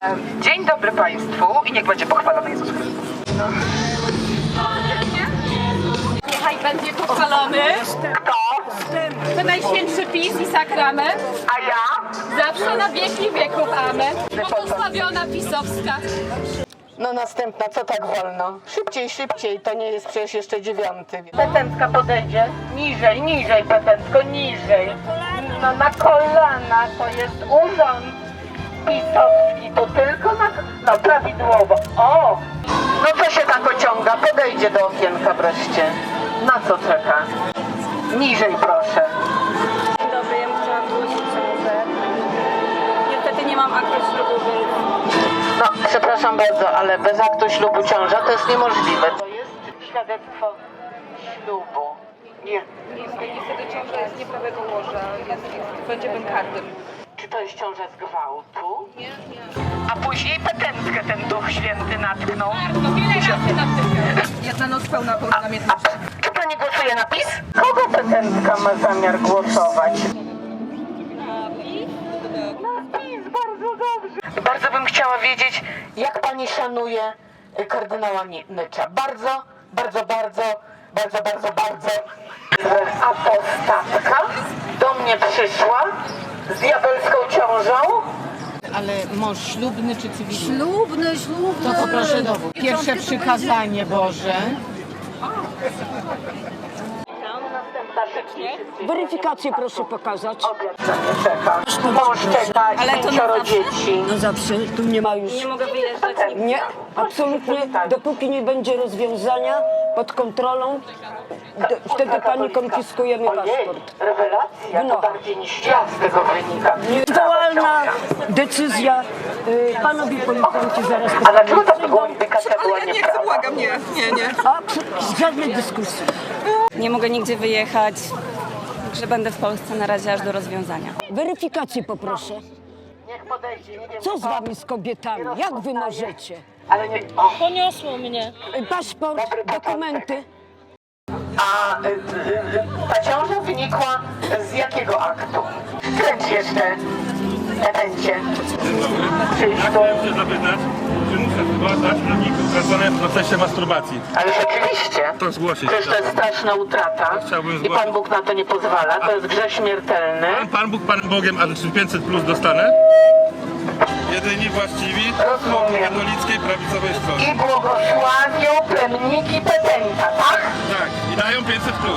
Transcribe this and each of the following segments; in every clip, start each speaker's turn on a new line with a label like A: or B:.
A: Dzień dobry Państwu i niech będzie pochwalony Jezus Chrystus.
B: Niechaj będzie pochwalony.
A: Kto?
B: To najświętszy PiS i sakrament.
A: A ja?
B: Zawsze na wieki wieków. Amen. Błogosławiona pisowska.
C: No następna, co tak wolno? Szybciej, szybciej, to nie jest przecież jeszcze 9. Petentka podejdzie, niżej petentko, niżej. No na kolana, to jest urząd pisowski, to tylko no prawidłowo. O! No co się tak ociąga? Podejdzie do okienka wreszcie. Na co czeka? Niżej proszę.
D: Dzień dobry, ja bym chciała zgłosić ciążę. Niestety nie mam aktu ślubu, więc...
C: No, przepraszam bardzo, ale bez aktu ślubu ciąża to jest niemożliwe. To jest świadectwo ślubu. Nie.
B: Niestety ciąża jest nieprawego łoża. Będzie bękarnym.
C: Czy to jest ciąża z gwałtu?
B: Nie.
C: A później petentkę ten Duch Święty natknął.
B: Bardzo wiele razy na tym. Jedna noc pełna na miednicy.
C: Czy pani głosuje na PiS? Kogo petentka ma zamiar głosować? Na PiS, bardzo dobrze. Bardzo bym chciała wiedzieć, jak pani szanuje kardynała Nycza. Bardzo. Apostatka do mnie przyszła z diabelską ciążą.
E: Ale mąż ślubny czy cywilny?
D: Ślubny.
E: To poproszę dowód. Pierwsze przykazanie Boże.
F: Weryfikację proszę pokazać.
C: Obiad za mnie czeka. Mąż czeka,
D: Ale to
C: 5
D: na zawsze?
C: dzieci.
F: No zawsze, tu nie ma już.
D: Nie mogę wyjeżdżać nigdzie.
F: Nie, absolutnie, dopóki nie będzie rozwiązania pod kontrolą, wtedy pani konfiskujemy
C: Ojej,
F: paszport.
C: rewelacja,
F: No.
C: to bardziej niż ja z tego wynika.
F: Nieodwołalna decyzja. Panowie policjanci zaraz
C: A dlaczego ta gołębika była nieprawda?
B: Błagam, nie.
F: A, żadnej dyskusji.
D: Nie mogę nigdzie wyjechać, także będę w Polsce na razie aż do rozwiązania.
F: Weryfikację poproszę.
C: Niech podejdzie, nie wiem
F: Co z wami z kobietami? Jak wy możecie?
C: Ale nie... O,
D: Poniosło mnie.
F: Paszport, dokumenty.
C: a ta ciąża wynikła z jakiego aktu? Kręć jeszcze, petencie. Przyjdź tu.
G: Chciałem się zapytać, czy muszę zgłaszać rolników utracone w procesie masturbacji?
C: Ale rzeczywiście.
G: To zgłosić.
C: Przecież to jest straszna utrata
G: Chciałbym
C: i
G: zgłosić.
C: Pan Bóg na to nie pozwala. To jest grzech śmiertelny.
G: Pan Bóg, Panem Bogiem, ale czy 500 plus dostanę? Jedyni właściwi
C: Rozumiem.
G: katolickiej prawicowej strony.
C: I błogosławią plemniki petenta, tak?
G: Tak, i dają 500 plus.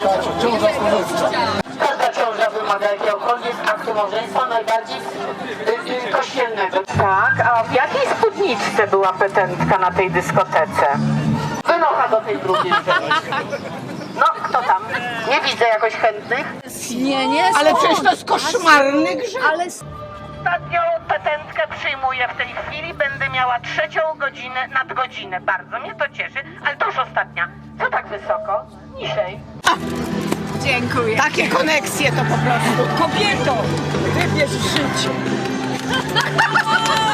C: Każda ciąża wymaga jakiegokolwiek aktu małżeństwa, najbardziej kościelnego. Tak, a w jakiej spódniczce była petentka na tej dyskotece? Wynocha do tej drugiej żeńskiej. No, kto tam? Nie widzę jakoś chętnych.
E: Ale przecież to jest koszmarny grzech.
C: Ostatnią petentkę przyjmuję w tej chwili. Będę miała 3. godzinę, nadgodzinę. Bardzo mnie to cieszy, ale to już ostatnia. Co tak wysoko? Niżej.
E: Takie koneksje to po prostu. Kobieto, wybierz życie.